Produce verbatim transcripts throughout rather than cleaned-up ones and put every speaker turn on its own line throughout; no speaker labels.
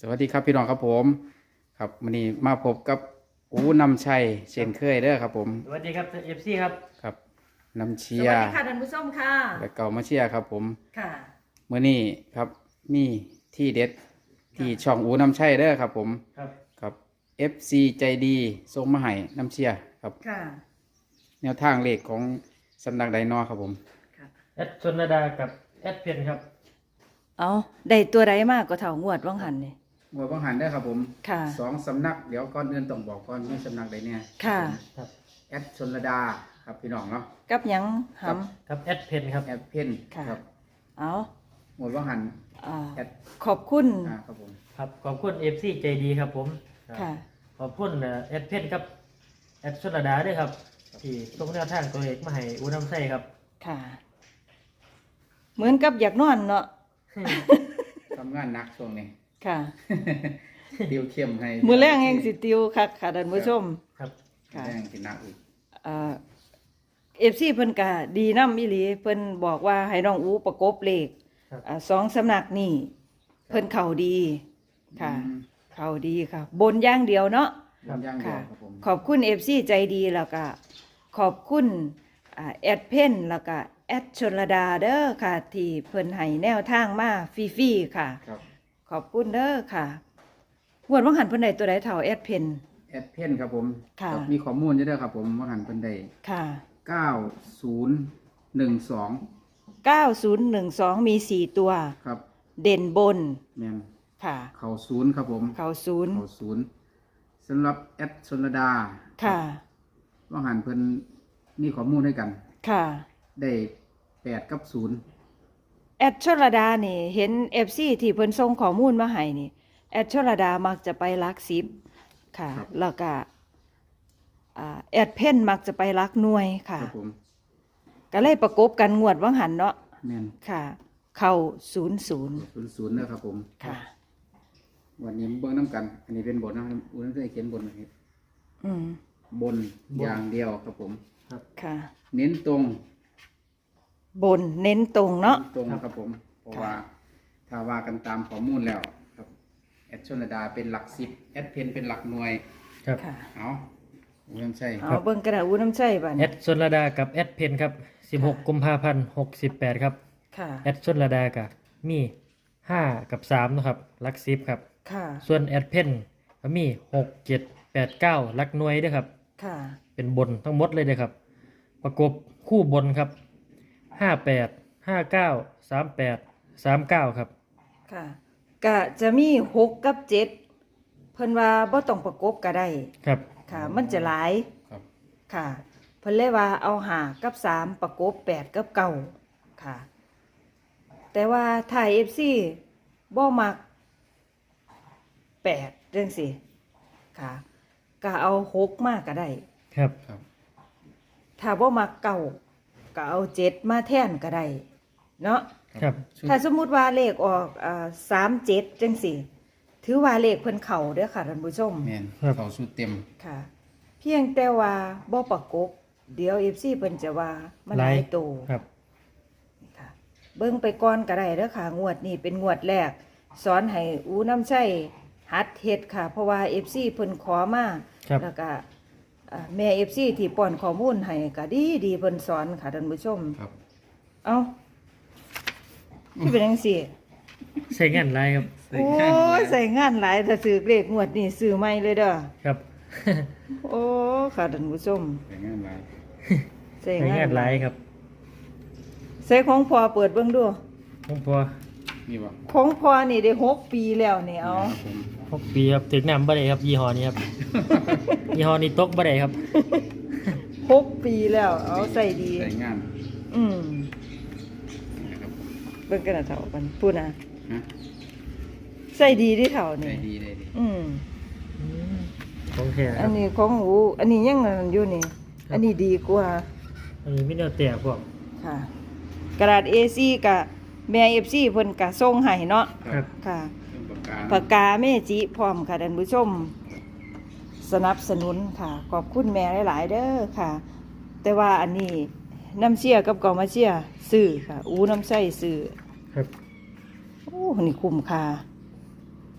สวัสดีครับพี่น้องครับผมครับวันนี้มาพบกับอูนำชัยเช่นเคยเด้อครับผม
สวัสดีครับเอฟซีครับ
ครับนำเชี
ส
ย
วัส
ร์
ดีค่ะท่านผู้ชมค่ะ
และเก่ามาเชียร์ครับผม
ค่ะ
เมื่อนี้ครับมีที่เด็ดที่ช่องอูนำชัยเด้อครับผม
ครับ
ครับ เอฟ ซี ใจดีส่งมาให้นำเชียร์ครับ
ค่ะ
แนวทางเลขของสำนักไดนอครับผม
ค่ะ
แอดชนระดากับแอดเพนครับ
เอาได้ตัวใดมากก็เท่างวดว่างหันนี่
หมวดบังหันได้อครับผม
ค่ะ
สองสำนักเดี๋ยวก่อนอื่นต้องบอกก่อนมีสำนักใดเนี่ย
ค่ะ
ครับ
แอดชนระดาครับพี่น้องเนาะ
กับหยังห
ครับ
ครับแอดเพนครับ
แอดเพน
ค่ะ
ครับ
ำเอา
หมวดบังหัน
อ่า
แอด
ขอบคุณ
อ่าครับผม
ครับขอบคุณเอฟซีใจดีครับผมครับ
ค่ะ
ขอบคุณเอ่อแอดเพนครับแอดชนระดาด้วยครับที่ส่งแนวทางตัวเอกมาให้อูน้ำไส้ครับ
ค่ะ เหมือนกับอยากนอนเนาะ
ทำงานหนักช่วงนี้
ค่ะ
ติวเข้มให้
มือแรงแห่งสิติวคักค่ะท่านผู้ชม
ครับ
มือแรงกินหนักอีก
อ่าเอฟซีเพิ่นกะดีน้ำอีหลีเพิ่นบอกว่าให้น้องอูประกบเลข
ครับ
อ่าสองสำนักนี่เพิ่นเข่าดีค่ะ
อืม
เข่าดีค่ะ บนอย่างเดียวเนาะ
บนย่างเดียว
ค่ะ
ครับผม
ขอบคุณเอฟซีใจดีแล้วก็ขอบคุณอ่าแอดเพนแล้วก็แอดชนระดาเด้อค่ะ ที่เพิ่นให้แนวทางมาฟรีๆค่ะ
ครับ
ขอบคุณเด้อค่ะงวดว่างหันเพิ่นได้ตัวใดเท่าแอดเพน
แอดเพนครับผม
ค่ะ
ครับมีข้อมูลเยอะด้วยครับผมว่าหันเป็นได้
ค่ะ
เก้าศูนย์หนึ่งสอง
เก้าศูนย์หนึ่งสองมีสี่ตัว
ครับ
เด่นบน
แมน
ค่ะ
เข่าศูนย์ครับผม
เขาศูนย์
เข่าศูนย์สำหรับแอดชนระดา
ค่ะ
ว่าหันเพิ่นมีข้อมูลให้กัน
ค่ะ
ได้แปดกับศูนย์
แอดชลดานี่เห็นเอฟซีที่เพิ่นส่งข้อมูลมาให้นี่แอดชลดามักจะไปลักสิบค่ะ แล้วก็อ่าแอดเพ่นมักจะไปลักหน่วยค่ะ
ครับผม
ก็เลยประกบกันงวดว่างหันเนาะ
แมน
ค่ะ เข้าศูนย์ศูนย์
ศูนย์ศูนย์นะครับผม
ค่ะ
วันนี้เบิ้งน้ำกัน อันนี้เป็นบทนะครับอุ้นเคยเขียนบทนะครับ
อืม
บนอย่างเดียวครับผม
ค่ะ
เน้นตรง
บนเน้นตรงเนาะ
ตรงครับผม เพราะว่าถ้าว่ากันตามข้อมูลแล้วครับแอดชนดาเป็นหลักสิบแอดเพนเป็นหลักหน่วย
ครับ
ค่ะ
เอาเริ่มใช่
เอาเบิ่งกระดาษอู้น้ำใจบัด
แอ
นี้
ดชนระดากับแอดเพนครับสิบหกกุมภาพันธ์หกสิบแปดครับ
ค่ะ
แอดชนระดากับมีห้ากับสามนะครับลักซิบครับ
ค่ะ
ส่วนแอดเพนก็มีหกเจ็ดแปดเก้าลักหน่วยด้วยครับ
ค่ะ
เป็นบนทั้งหมดเลยนะครับ ประกบคู่บนครับห้าแปดห้าเก้าสามแปดสามเก้าครับ
ค่ะก็จะมีหกกับเจ็ดเพิ่นว่าบ่ต้องประกบก็ได้
ครับ
ค่ะ มันจะหลาย
ครับ
ค่ะ เพิ่นเลยว่าเอาหากับสามประกบแปดกับเก้าค่ะ แต่ว่าถ้า เอฟ ซี บ่มักแปดจังซี่ค่ะ ก็เอาหกมาก็ได้
ครับ
ครับ
ถ้าบ่มักเก้าก็เอาเจ็ดมาแทนก็ได้เนาะ
ครับ
ชุด
ถ้าสมมุติว่าเลขออกอ่าสามเจ็ดจังสี่ถือว่าเลขเพิ่นเข่าเด้อค่ะท่านผู้ชม
แมนเขาชุดเต็ม
ค่ะ เพียงแต่ว่าบ่ประกบ เดี๋ยว เอฟ ซี เพิ่นจะว่ามันหลายโต
ครับ
ค่ะ เบิ่งไปก่อนก็ได้เด้อค่ะ งวดนี้เป็นงวดแรก สอนให้อูน้ำใช้หัดเฮ็ดค่ะ เพราะว่า เอฟ ซี เพิ่นขอมา
ครับ
แล้วก็อ่าแม่ เอฟ ซี ที่ป้อนข้อมูลให้ก็ดีดีเพิ่นสอนค่ะท่านผู้ชม
ครับ
เอ้าที่เป็นจังซี่
ใช้งานไรครับ
โอ้ยใส่งานหลายถ้าซื้อเลขงวดนี่ซื้อใหม่เลยเด้อ
ครับ
โอ้ค่ะท่านผู้ชม
แต่งานไร
ใส่
ใช้
งาง
าน น
ห
ไร
ลาย
ครับ
ใส่ของพอเปิดเบิ่งดู
ผมพอ
มีบ่
ของพอนี่ได้หกปีแล้วนี่เอา
ครับผม
หกปีครับถึงน้ำบ่ได้ครับยี่ห้อนี้ครับ ยี่ห้อนี้ตกบ่ได้ครับ
หกปีแล้ว เอาใส่ดี
ใส่งาน
อืม
นะครับ
เบิ่งกันนะเฒ่ากันพูดนะ
ฮะ
ใส่ดีที่เฒ่า
ได้
นี่
ดีได้ดี
อืม
ของแท้ค
อั
รั
น
บ
นี้ของหูอันนี้ยังนั่นอยู่นี่ อันนี้ดีกว่า
อันนี้ไม่ได้แตกพวก
ค่ะ กระดาษ เอ ซี กับแม่ เอฟ ซี เพิ่นก็ส่งให้เนาะ
ครับ
ค่ะ
เรื่องปากกา
ปากกาเมจิพร้อมค่ะท่านผู้ชม สนับสนุนค่ะ ขอบคุณแม่หลาย ๆ เด้อค่ะ แต่ว่าอันนี้น้ำเชี่ยกับกอมาเชี่ยซื้อค่ะ อูน้ำใส่ซื้อ
ครับ
โอ้นี่คุ้มค่า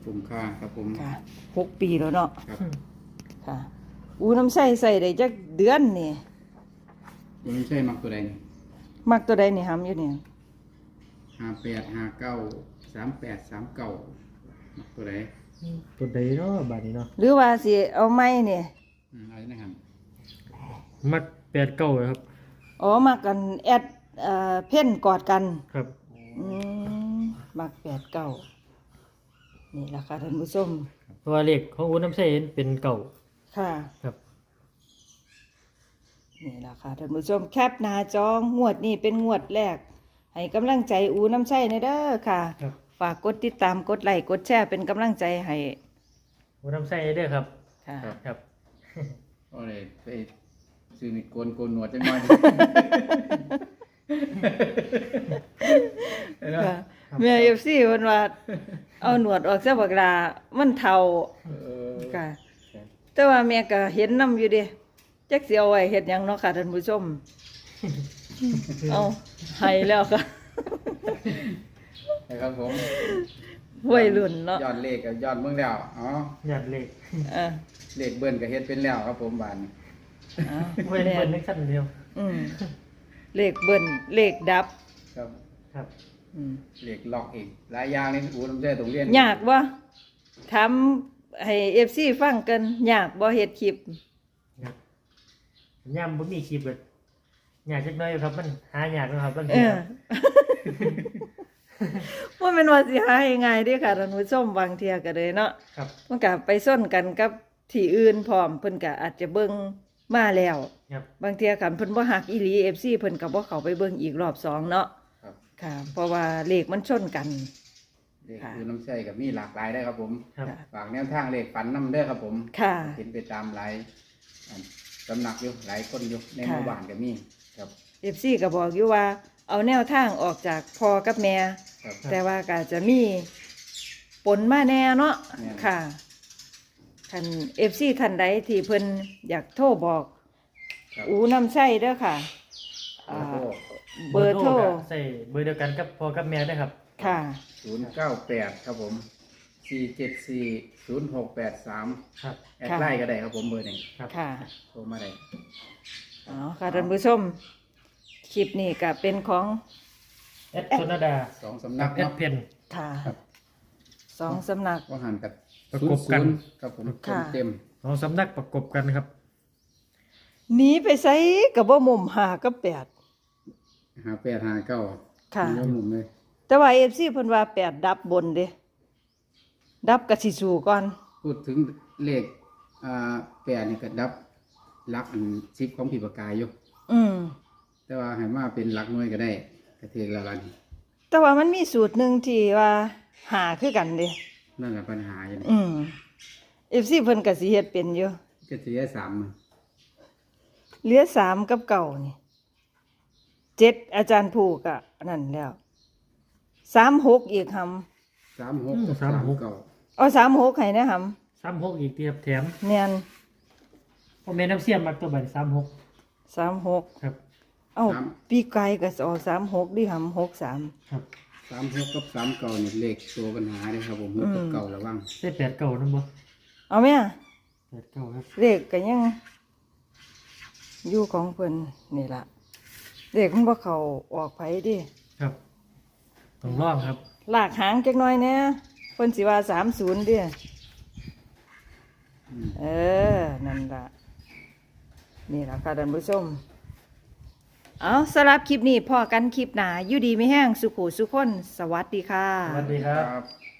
คุ้มค่าครับผม
ค่ะหกปีแล้วเนาะ
ครับ
ค่ะ อูน้ำใส่ใส่ได้จักเดือนนี่
มันไม่ใช่มักตัวใดนี่
มักตัวใดนี่หำอยู่เนี่ย
ห้าแปดห้าเก้าสามแปดสามเก้ามักตัวใด
ตัวใดเนาะบาดนี้เนาะ
หรือว่าสิเอาไม้เนี่ย
อืมอะไรนะครับ
มักแปดเก้าครับ
อ๋อมักกันแอดเอ่อเพ่นกอดกัน
ครับ
อืมมักแปดเก้านี่ล่ะค่ะท่านผู้ชม
เพราะว่าเลขของอูน้ำใสเป็นเก่า
ค่ะ
ครับ
นี่ล่ะค่ะท่านผู้ชมแคปหน้าจองวดนี้เป็นงวดแรก ให้กำลังใจอูน้ำใช่ในเด้อค่ะ
ครับ
ฝากกดติดตามกดไลค์กดแชร์เป็นกำลังใจให้
อูน้ำใสเด้อครับ
ค่ะ
ครับ
ก็เลยไปซื้อมีดโกนโกนหนวดจังหน่อย
ค่ะแม่เอฟซีเพิ่นว่าเอาหนวดออกซะบักลามันเฒ่า
เออ
ค่ะ แต่ว่าแม่ก็เห็นนํอยู่เด้จักสิเอาไว้เฮ็ดหยังเนาะค่ะท่านผู้ชม เอาให้แล้วค่ะ
นะครับผม
วัยรุ่นเนาะ
ยอดเลขกับยอดเมืองแล้วอ๋อ
หยาดเลข
เออ
เลขเบิ้ลก็เฮ็ดเป็นแล้วครับผมบานนี้
เอา
เว้นเว้นนึกสั้นเดียว
อืมเลขเบิ้นเลขดับ
ครับ
ครับ
อืม
เลขล็อกอีกหลายอย่างนี่อูน้ำใจตรงเรียน
ยากบ่ถามให้ เอฟ ซี ฟังกันยากบ่เฮ็ดคลิป
ครับย่ำบ่มีคลิปเลยอยากจักหน้อยอยู่ครับมันหายากนะครับบาง
เอ
ที
อ ว่าแม่นว่าสิหาง่ายๆเด้อค่ะท่านผู้ชมบางเที่ยก็เลยเนาะ
ครับ
มันก็ไปส้นกันกับที่อื่นพร้อมเพิ่นก็อาจจะเบิ่งมาแล้ว
ครับ
บางเที่ยคันเพิ่นบ่ฮักอีหลี เอฟ ซี เพิ่นก็บ่เข้าไปเบิ่งอีกรอบสองเนาะ
ครับ
ค่ะ เพราะว่าเลขมันชนกัน
เลข
ค่ะ
อูน้ำใจกับมีหลากหลายได้อครับผม
ครับ
ค่ะ
ฝากแนวทางเลขฝันน้ำเด้อครับผม
ค่ะ
เห็นไปตามหลายอันสำนักอยู่หลายคนอยู่ในหมู่บ้านก็มีครับ
เอฟ ซี ก็บอกอยู่ว่าเอาแนวทางออกจากพ่อกับแม่
ครับ
แต่ว่าก็จะมีปนมาแน่เนาะ
แน่
ค่ะคัน เอฟ ซี ท่านใดที่เพิ่นอยากโทรบอก
ครับ
อูน้ำใช้เด้อค่ะอ่าเบอร์โทร
ก็ใส่เบอร์เดียวกันกับพ่อกับแม่ได้ครับ
ค่ะ
ศูนย์เก้าแปดครับผมสี่เจ็ดสี่ศูนย์หกแปดสาม
ครับ
แอดไลน์ก็ได้ครับผมเบอร์หนึ่ง
ครับ
ค่ะ
โทรมาได้
อ๋อค่ะท่านผู้ชม คลิปนี้ก็เป็นของ
แอดโซนาดา
สองสำ
กั
นั
บ
ก
แอด
เนาะ
เพน
ค่ะ
ครับ
สองสำนัก
ว่าหันกับ
ประ
ศูน
กบ
ย์
กั
ศู
น
นย์ครับผม
ค่ะ
เต็ม
สองสำนักประกบกันครับ
หนีไปไสกับบ่มุมหากับแปด
หาแปดหาเก้า
ค่ะ
มีหมุมเลย
แต่ว่า เอฟ ซี เพิ่นว่าแปดดับบนเด้ดับกะสิสู้ก่อน
พูดถึงเลขอ่าแปดนี่ก็ดับลักอันซิปของผีปากกายอยู่
อืม
แต่ว่าให้มาเป็นหลักหน่วยก็ได้กระเทียมละลัน
แต่ว่ามันมีสูตรหนึ่งที่ว่าหาคือกันเด้
นั่นแหละปัญหาอยู่นี่
อืม เอฟ ซี เพิ่นก็สิเฮ็ดเป็นอยู่
ก็เสียสามมื้อ
เหลือสามกับเก่านี่เจ็ดอาจารย์ผูกอะนั่นแล้วสามหกอีกห
สามหกกับ
อืม
สาม
สามหก
เก้า
ำเอาสามหกให้นะห
สามหกอีกเตียบแถม
ำเนียน
พ่อแม่น้ำเสียมมักตัวบัตรสามหก
สามหก
ครับ
เอาปีไก่ก็เอาสามหกดิหำหกสาม
ครับ
สามหกกับสามเก้านี่เลขตัวปัญหาเลยครับผมหกกับเก้าระวัง
ใส่แปดเก่านั่นบ่
เอาไหมอะ
แปดเก่าครับ
เลขก็ยังอยู่ของเพิ่นนี่ล่ะเลขมันบ่เข้าออกไผดิ
ครับต้องร่องครับ
ลากหางจักหน่อยแหน่เพิ่นสิว่าสามศูนย์ดิ
อืม
เออ นั่นล่ะ นี่ล่ะค่ะท่านผู้ชม เอาสำหรับคลิปนี้พอกันคลิปหนาอยู่ดีไม่แห้งสุขุสุขคน สวัสดีค่ะ
สวัสดีครับ
ครับ